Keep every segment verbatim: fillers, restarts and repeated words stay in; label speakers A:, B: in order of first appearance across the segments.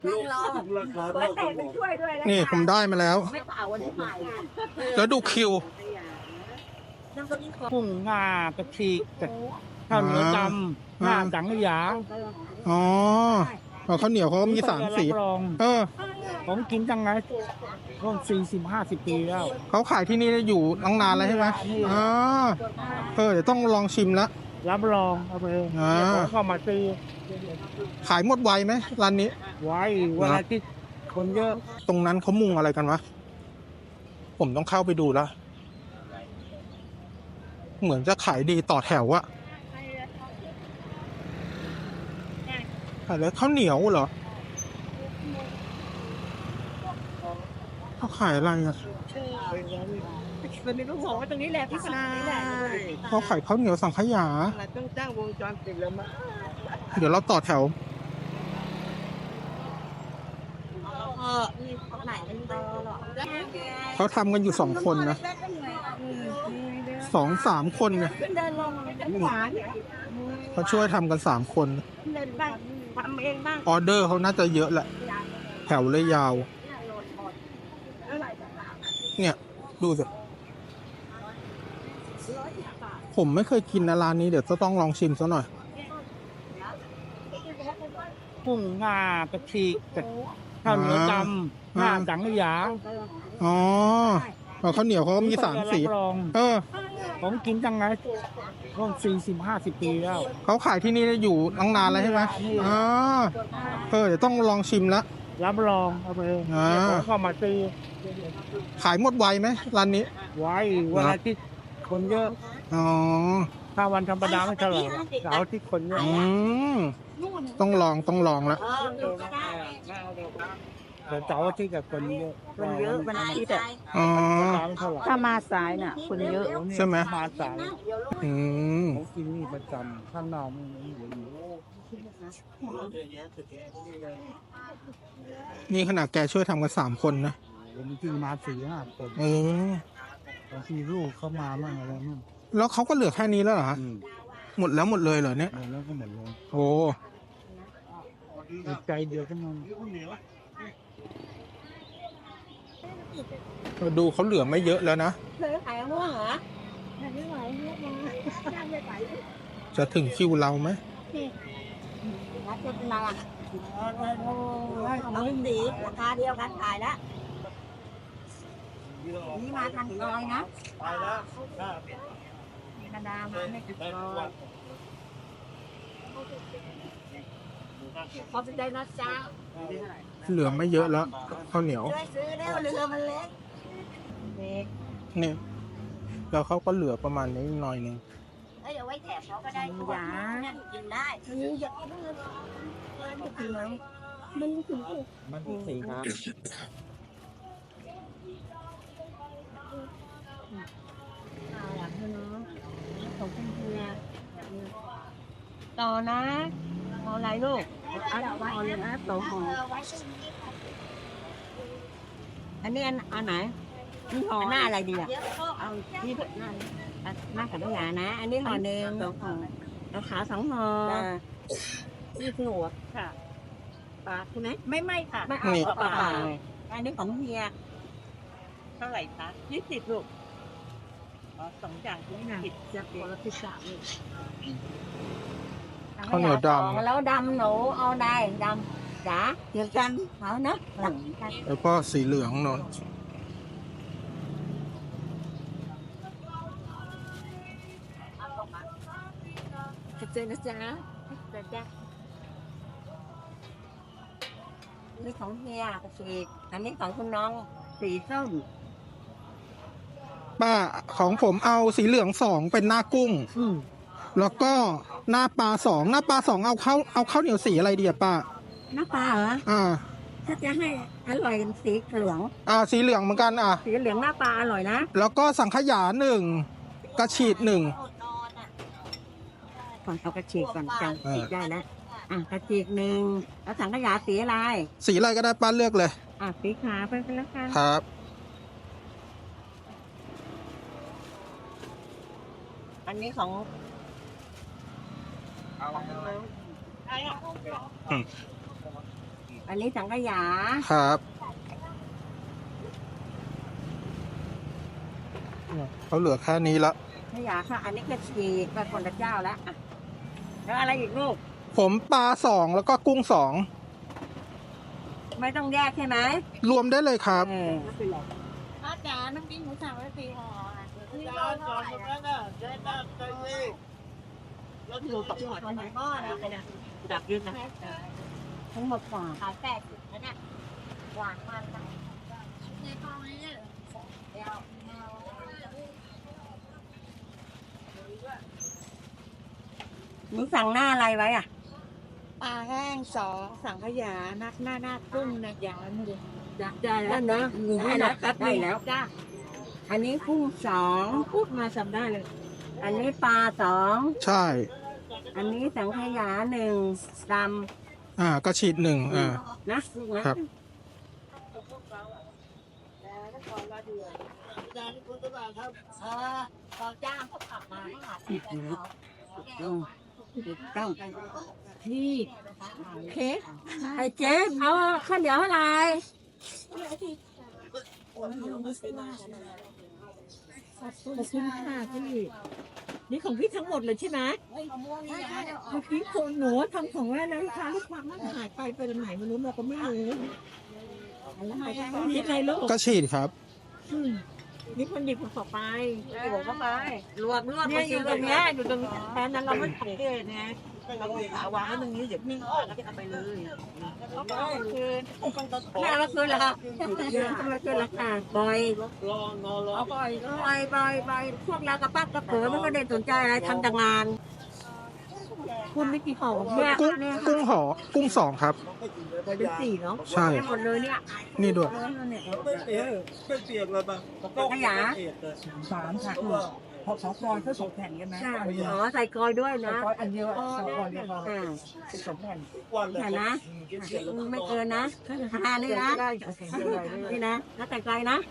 A: ลูกราคาเท่ากันหมด
B: นี่ผมได้มาแล้ว
C: ไม่เปล่าวันที่ใหม่
B: แล้วดูคิว
D: กุ้งงากระชีกกับข้าวเหนียวดำหน้าสังขยา
B: อ๋อเอาข้าวเหนียวเขาก็มีสามสี
D: รับรอง
B: เออ
D: ผมกินตั้งไงร่วมสี่สิบห้าสิบปีแล้ว
B: เขาขายที่นี่อยู่ตั้งนานแล้วใช่ไหมอ๋อเออเดี๋ยวต้องลองชิมละ
D: รับรองเอาไป
B: อ่า
D: ผมเข้ามาซื้อ
B: ขายหมดไวไหมร้านนี้
D: ไว้วันอาทิตย์คนเยอะ
B: ตรงนั้นเขามุงอะไรกันวะ ผมต้องเข้าไปดูแล้ว เหมือนจะขายดีต่อแถวอะขายแล้วข้าวเหนียวเหรอเขาขายอะไรอะ
C: มันมีลูกหงไว้ตรงนี้แหละพี่ชายนี่แหละ
B: เขาขายข้าวเหนียวสังขยา
C: เราต้องจ้างวงจรปิดแล้วมั้ง
B: เดี๋ยวเราต่อแถว
C: เออนี่เขาไหนเป็นเบอร์หรอ
B: เขาทำกันอยู่สองคนนะสองสามคนเนี่ย
C: ขึ้นเดินลงหวาน
B: เขาช่วยทำกันสามคน
C: เดินบ้างทำเองบ้าง
B: ออเดอร์เขาน่าจะเยอะแหละ แถวเลยยาว เนี่ย ดูสิ ผมไม่เคยกินนะร้านนี้เดี๋ยวจะต้องลองชิมซะหน่อย
D: กุ้งงากระชีกกับข้าวเหนียวดำหน้าสังขยา
B: อ๋อเอาข้าวเหนียวเขาก็มีสามสี
D: รับรอง
B: เออ
D: ผมกินตั้งไงร่วมสี่สิบห้าสิบปีแล้ว
B: เขาขายที่นี่อยู่ตั้งนานแล้วใช่ไหมอ๋อเออเดี๋ยวต้องลองชิมละ
D: รับรองเอาไป
B: อ่า
D: ผมเข้ามาซื้อ
B: ขายหมดไวไหมร้านนี้
D: ไว้วันอาทิตย์คนเยอะ
B: อ๋อ
D: ถ้าวันธรรมดาไม่เท่าไหร่เสาร์อาที่คนเยอะ
B: อืมต้องลองต้องลองละ
C: เออดูก็ได้
D: แต่เสาร์อาที่กับคนเยอะ
C: คนเยอะวันอาทิตย์อะ
B: อ๋อ
D: ธรรมดาไม่เท่าไหร่
C: ถ้ามาสายน่ะคนเยอะ
B: ใช่ไหม
D: มาสาย
B: อืม
D: ผมกินนี่ประจำข้างนอกมันไม่เหลืออยู่
B: นี่ขนาดแกช่วยทำกันสามคนนะ
D: ผมกินมาสี่ห้าคน
B: เออบ
D: างทีลูกเข้ามาบ้างอะไรบ้าง
B: แล้วเขาก็เหลือแค่นี้แล้วเหรอฮะ
D: อืม
B: หมดแล้วหมดเลยเหรอเนี่ย
D: หมดแล้วก็หมดเลย
B: โอ้
D: ใจเดียวกันนอน
B: ดูเขาเหลือไม่เยอะแล้วนะ
C: เคยขายม่วงเหรอไม่ไหวลูกมาไม่ไหว
B: จะถึงคิวเราไหม
C: รักจะเป็นอะไรเอาสีราคาเดียวกันขายแล้วนี่มาทางซอยนะ
A: ไปแล้ว
C: ธรรมดามาไม่ถึงซอยขอบใจนะจ๊ะ
B: เหลือไม่เยอะแล้วข้าวเหนียว
C: ช่วยซื้อได้เรือมันเล็กเล็ก
B: เนี่ยแล้วเขาก็เหลือประมาณนี้หน่อยหนึง
C: เอ้ยเอาไว้แถบเขาก็ได้ยากินได้นี่อยากกินเลยมันถึงแล้วมันถึง
D: มันสี่ครับ
C: เอาล่ะเพื่อนเนาะของคุณเพื่อนต่อนะเอาอะไรลูกเอาเอาเลยนะต่อหออันนี้อันอันไหนนี่ห่อหน้าอะไรดีอ่ะเอาที่หน้าหน้าขันยานะ อันนี้ห่อหนึ่งสองห่อเอาขาวสองห่อนี่คือหัวค่ะปลาใช่ไหมไม่ไม่ค่ะไม่เอาปลาอันนี้ของเฮียเท่าไหร่คะยี่สิบลูกสองอย่างที่ผิดจะเป็นละพิซซ่าลูก
B: ข้าวเหนียวดำ
C: แล้วดำหนูเอาได้ดำจ๋าเดียวกันเอาเนาะ
B: แล้วก็สีเหลืองนน
C: เจอนะจ๊ะจ๊ะนี่ของเฮียกระสีอันนี้ของคุณน้องสีส้ม
B: ป้าของผมเอาสีเหลืองสองเป็นหน้ากุ้ง
C: อืม
B: แล้วก็หน้าปลาสองหน้าปลาสองเอาข้าวเอาข้าวเหนียวสีอะไรดีอะป้า
C: น้ำปลาเหรอ
B: อ่า
C: ถ้าจะให้อร่อยสีเหลือง
B: อ่าสีเหลืองเหมือนกันอ่ะ
C: สีเหลืองหน้าปลาอร่อยนะ
B: แล้วก็สังขยาหนึ่งกระฉีดหนึ่ง
C: ก่อนเอากระฉีกก่อนจังฉีกได้แล้วอ่ะกระฉีกหนึ่งแล้วสังขยาสีอะไร
B: สีอะไรก็ได้ป้าเลือกเลย
C: อ่ะสีขาวไปกันแล้วกัน
B: ครับ
C: อันนี้ของ
B: อืม
C: ออันนี้สังขยา
B: ครับเขาเหลือแค่นี้ละ
C: สังขยาค่ะ อันนี้ก็ฉีกไปคนละเจ้าแล้วอ่ะแล้วอะไรอีกลูก
B: ผมปลาสองแล้วก็กุ้งสอง
C: ไม่ต้องแยกใช่ไหม
B: รวมได้เลยครับ
C: เออ
E: ป้าจ๋าน้ำพริกหมูสับไว้สี่ห่ออ่ะ
A: จานจานตรงนั้นน่ะใช้น้ำใจเองแล้วที่เราตัก
C: หอไหนก้อนนะไปนะดับยืนนะทั้งหมดกว่า
E: ขายแปดสิบนะเนี่ยหวานมันนะในกองนี้เนี่ยเดี๋ยว
C: หนูสั่งหน้าอะไรไว้อ่ะ
E: ปลาแห้งสองสังขยานักหน้าหน้ากุ้งนะอย่างละหนึ่ง
C: ได้แล้วนะได้แล้วครับได้แล้ว
E: จ้า
C: อันนี้กุ้งสอง
E: พูดมาจำได้เลย
C: อันนี้ปลาสอง
B: ใช่
C: อันนี้สังขยาหนึ่งด
B: อ่าก็ฉีดหนึ่งอ่า
C: ำนะลูกนะครับ
A: จานที่คุณตลาดครับ
E: เออพอจ้างเขาขับมาหาที่แล้ว
C: อืมต้อง
E: นี่เค้ก
C: ไอ้เจ๊เอาข้าวเหนียวอะไร
E: ขอบคุณค่ะพี่นี่ของพี่ทั้งหมดเลยใช่ไหมเมื่อกี้คนหนูทำของแม่แล้วลูกค้าลูกความมันหายไปไปไหนไม่รู้เราก็ไม่รู้นี่ไงลูก
B: ก็ฉีดครับ
E: อืมนี่คนหยิบของไป
C: หัวเข้าไปรวมรวม
E: เนี่ยอยู่ตรงเนี้ยอยู่ตรงแทนนั้นเราไม่สังเกตไงเราขาวางไว้ตรงนี้เดี๋ยวพี่ออกแล้วก็เอาไปเลยเอาไปคืน
C: แม่เอามาคืนเหรอครับเอามาคืนราคาปล่อย
A: รอนอนรอ
E: เอาไปก็
C: ปล่อยปล่อยปล่อยพวกเรากระปั๊บกระเป๋อมันก็ได้สนใจอะไรทำแต่งาน
E: คุณไม่กี่ห่อ
C: เนี่ย
B: กุ้ง
C: เนี่ย
B: กุ้งหอกุ้งสองครับ
E: เป็นสี่เนาะ
B: ใช่
C: หมดเลยเนี่ย
B: นี่ด้วย
A: ไม่เปียกไม่เปียกเลยป่ะ
C: ขยะ
D: สามค่ะพอสองกรเขาสองแผ่นกันนะ
C: ใช่อ๋อใส่กอยด้วยนะ
D: กรอันเดียวสองกรเดียวพอ
C: อ่า
D: สองแผ่น
A: ทุกวันเลย
C: เห็นนะไม่เกินนะทานนี่นะ
D: ได้ได้
C: นี่นะแล้วแต่ไกลนะ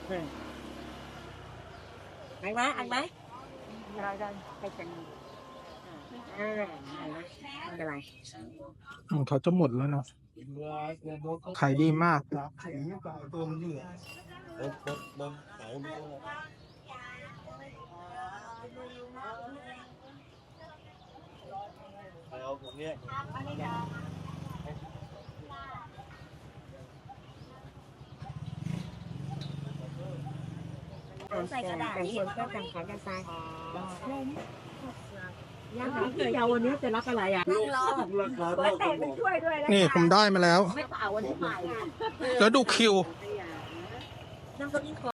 C: ไกลไหมไกลไหม
D: ได้ได้
C: ไกลจังเออไม่เป็นไร
B: ของเขาจะหมดแล้วเนาะขายดีมาก
A: ไข่ไม่ปลาตัวมันเหนื่อยบนบนบนเขาเนี่ยเอาผมเนี่ย
C: ใส่กระดาษเขียนก็ต่างขายกันไปย่างเดี๋ยววันนี้จะรับอะไรอ่ะ
A: ลูกราคาเท่ากันหมด
C: ช่วยด้วยนะ
B: นี่ผมได้มาแล้ว
C: ไม่เปล่าวันนี้ใหม่
B: แล้วดูคิว
C: น้ำก็มี